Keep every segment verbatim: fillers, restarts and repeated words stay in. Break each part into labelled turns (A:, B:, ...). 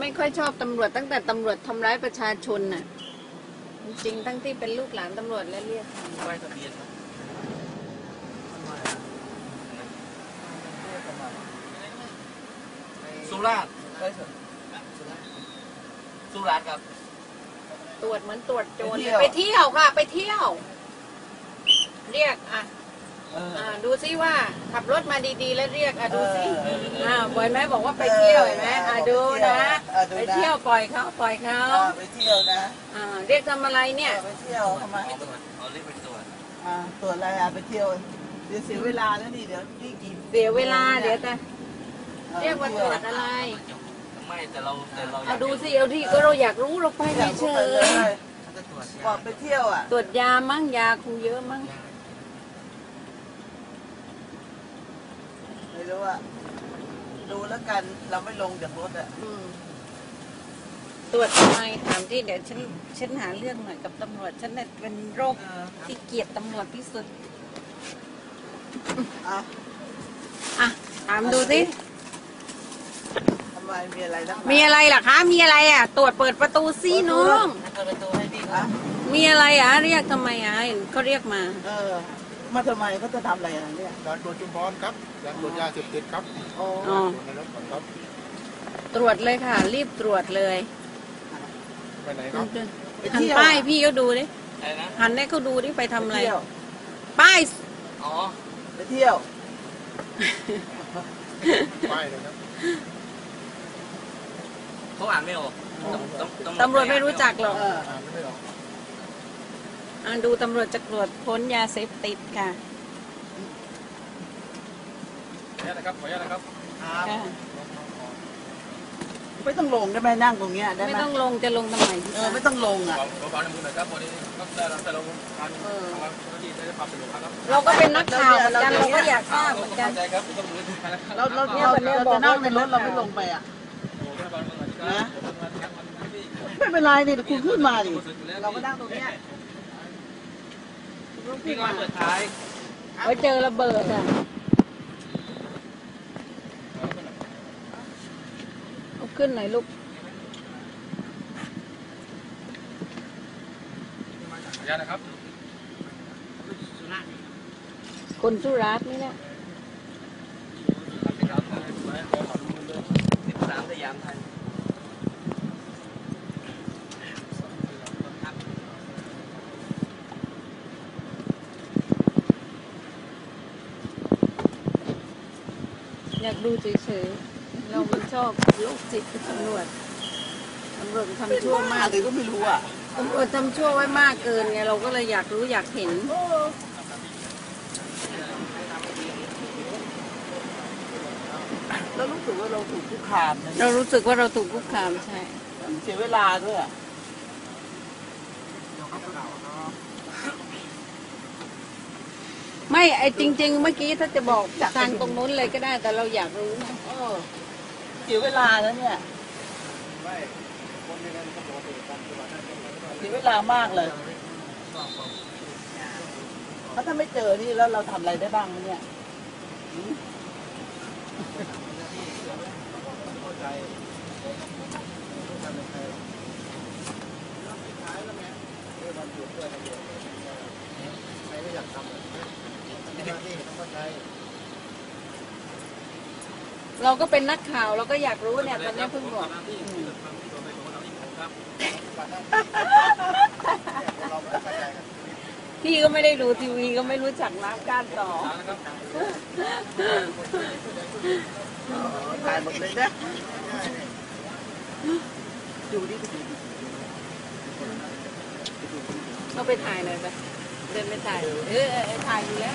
A: ไม่ค่อยชอบตำรวจตั้งแต่ตำรวจทำร้ายประชาชนน่ะจริงทั้งที่เป็นลูกหลานตำรวจและเรียกป้ายทะเบียนสุราษฎร์สุราษฎร์ครับตรวจเหมือนตรวจโจรไปเที่ยวค่ะไปเที่ยวเรียกอ่ะอ่าดูซิว่าขับรถมาดีๆแล้วเรียกอ่ะดูซิอ่าบ่อยไหมบอกว่าไปเที่ยวเห็นไหมอ่าดูนะไปเที่ยวปล่อยเขาปล่อยเขา
B: ไปเที่ยวนะ
A: อ่าเรียกทำอะไรเนี่ย
B: ไปเที่ยวทำไม
C: เอาเรียกไปตรวจ
B: อ่าตรวจอะไรอ่ะไปเที่ยวเดี๋ยวเสียเวลาแล้วนี่เดี๋ยวนี่กี่
A: เสียเวลาเดี๋ยวแต่เรียกว่าตรวจอะไร
C: ไม่แต่เราแต่เรา
A: เอาดูสิเอาที่ก็เราอยากรู้เราไปเฉย
B: ๆบอกไปเที่ยวอ่ะ
A: ตรวจยามั้งยาคงเยอะมั้ง
B: ไม่รู้ว่าดูแล้วกันเราไม่ลงจากรถอ่ะ
A: ตรวจทำไมถามที่เดี๋ยวฉันฉันหาเรื่องหน่อยกับตำรวจฉันเป็นโรคที่เกลียดตำรวจที่สุด
B: อ่ะ
A: อ่ะถามดูสิ
B: ทำไมมีอะไรนะ
A: มีอะไรล่ะคะมีอะไรอ่ะตรวจเปิดประตูซิน้อง
C: เปิดประตูให้พี่อ่ะ
A: มีอะไรอ่ะเรียกทำไมอ่ะเขาเรียกมา
B: เออมาทำไมเขาจะทำอะไรอ่ะเนี่ย
D: การตรวจจุลพรครับการตรวจยาเสพติดครับ
B: อ๋อ
A: ตรวจเลยค่ะรีบตรวจเลย
D: ไปไหนครับ
A: หันป้ายพี่ก็ดูดิหันให้เขาดูดิไปทำอะไรป้าย
C: อ๋อ
B: ไปเที่ยว
D: ป้ายเลยครับ
C: เขาอ่านไม่ออก
A: ตำรวจไม่รู้จักหรอก
D: อ่านไม่ออก
A: อ่าดูตำรวจจะตรวจค้นยาเสพติดค่ะ
D: ขออนุญาตนะครับขออนุญาตนะครับ
B: ไม่ต้องลงได้ไหมนั่งตรงเนี้ยได้ไหม
A: ไม่ต้องลงจะลงทำไม
B: เออไม่ต้องลงอ่ะ
D: ขอความร่วมมือหน่อยครับวันนี้ก็ได้แต่เราการทำงานที่ได้ความสะดวกครับ
A: เราก็เป็นนักข่าวเหมือนกันเราก็อยากทราบเหมือนกัน
B: เราเราเราจะนั่งในรถเราไม่ลงไปอ่ะนะไม่เป็นไรดิคุณขึ้นมาดิเราก็นั่งตรงเนี้ย
C: พี่ก็เปิดท้าย
A: ไว้เจอระเบิดอ่ะเอาขึ้นหน่อยลูก
D: ขออนุญาตนะครับ
A: คนสุราษฎร์นี่แหละ
C: สิบสามสยามไทย
A: อยากดูเฉยๆเราไม่ชอบโรคจิตตำรวจตำรวจทำชั่วมาก
B: หรือก็ไม่รู้อ่ะ
A: ตำรวจทำชั่วไว้มากเกินไงเราก็เลยอยากรู้อยากเห็น
B: เรารู้สึกว่าเราถูกคุกคาม
A: เรารู้สึกว่าเราถูกคุกคามใช่
B: เสียเวลาด้วย
A: ไม่ไอจริงๆเมื่อกี้ถ้าจะบอกทางตรงนู้นเลยก็ได้แต่เราอยากรู้นะ
B: เสียเวลาแล้วเนี่ยเสียเวลามากเลยเพราะถ้าไม่เจอนี่แล้วเราทำอะไรได้บ้างเนี่ย
A: เราก็เป็นนักข่าวเราก็อยากรู้เนี่ยตอนนี้เพิ่งบอกพี่ก็ไม่ได้ดูทีวีก็ไม่รู้จักน้ำก้านต่อ
B: ถ่ายหมดเลยนะดูดิ
A: เราไปถ่ายหน่อยไปเดินไปถ่ายเออถ่ายอยู่แล้ว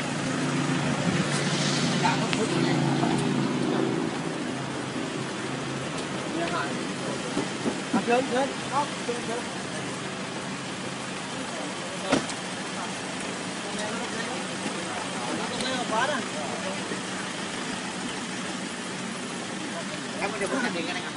B: เดินเดินเข้าเดินเดิน
C: แล้วมันจะพูดกันเองกันนะครับ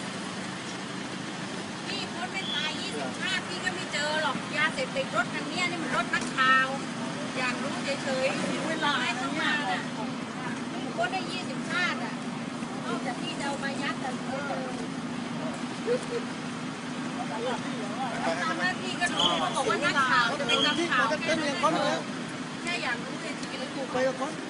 A: พี่คนไม่ตายยี่สิบห้าพี่ก็ไม่เจอหรอกยาเสพติดรถคันนี้นี่มันรถนักข่าวอยากรู้เฉยๆเวลาให้เข้ามาน่ะคนได้ยี่สิบห้าอ่ะนอกจากพี่จะเอามายัดแต่เจอทำหน้าที่ก็รู้เขาบอกว่านักข่าวจะเป็นนักข่าวแค่นั้นเองแค่อยากรู้เลยชีวิตถูกไปกับคน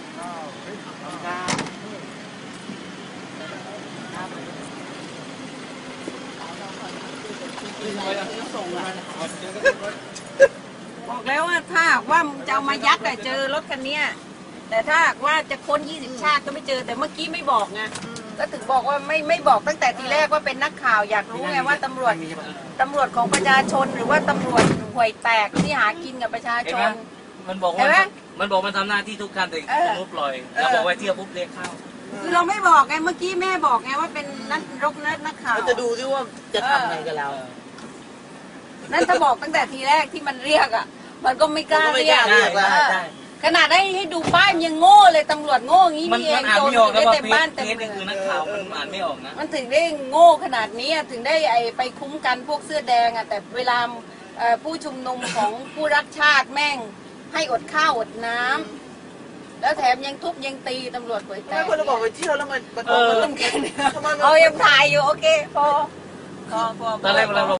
A: บอกแล้วว่าถ้าว่ามึงจะเอามายัดแต่เจอรถคันนี้แต่ถ้าว่าจะค้นยี่สิบชาติก็ไม่เจอแต่เมื่อกี้ไม่บอกไงก็ถึงบอกว่าไม่ไม่บอกตั้งแต่ทีแรกว่าเป็นนักข่าวอยากรู้ไงว่าตำรวจตำรวจของประชาชนหรือว่าตำรวจห่วยแตกที่หากินกับประชาชน
C: มันบอกว่ามันบอกมันทำหน้าที่ทุกการแต่มุปล่อยแล้วบอกว่าเที่ยวปุ๊บเรียกเข้า
A: คือเราไม่บอกไงเมื่อกี้แม่บอกไงว่าเป็นนักรกนักนักข่าว
B: จะดูที่ว่าจะทำอะไรกับเรา
A: นั่นถ้าบอกตั้งแต่ทีแรกที่มันเรียกอ่ะมันก็ไม่กล้าเรียกขนาดได้ให้ดูป้ายยังโง่เลยตำรวจโง่งี้นี่เองโจรได้เต็มบ้านเต็มเมือง
C: คือนักข่าวมันอ่านไม่ออกนะ
A: มันถึงได้โง่ขนาดนี้ถึงได้ไอไปคุ้มกันพวกเสื้อแดงอ่ะแต่เวลาผู้ชุมนุมของผู้รักชาติแม่งให้อดข้าวอดน้ำแล้วแถมยังทุบยังตีตำรวจป่วยแต่
B: ไม่คนเราบอกไปเที่ยวแล้วมันมัน
A: เอายังถ่ายอยู่โอเคพอพอพอ
C: ตอนแรกเรา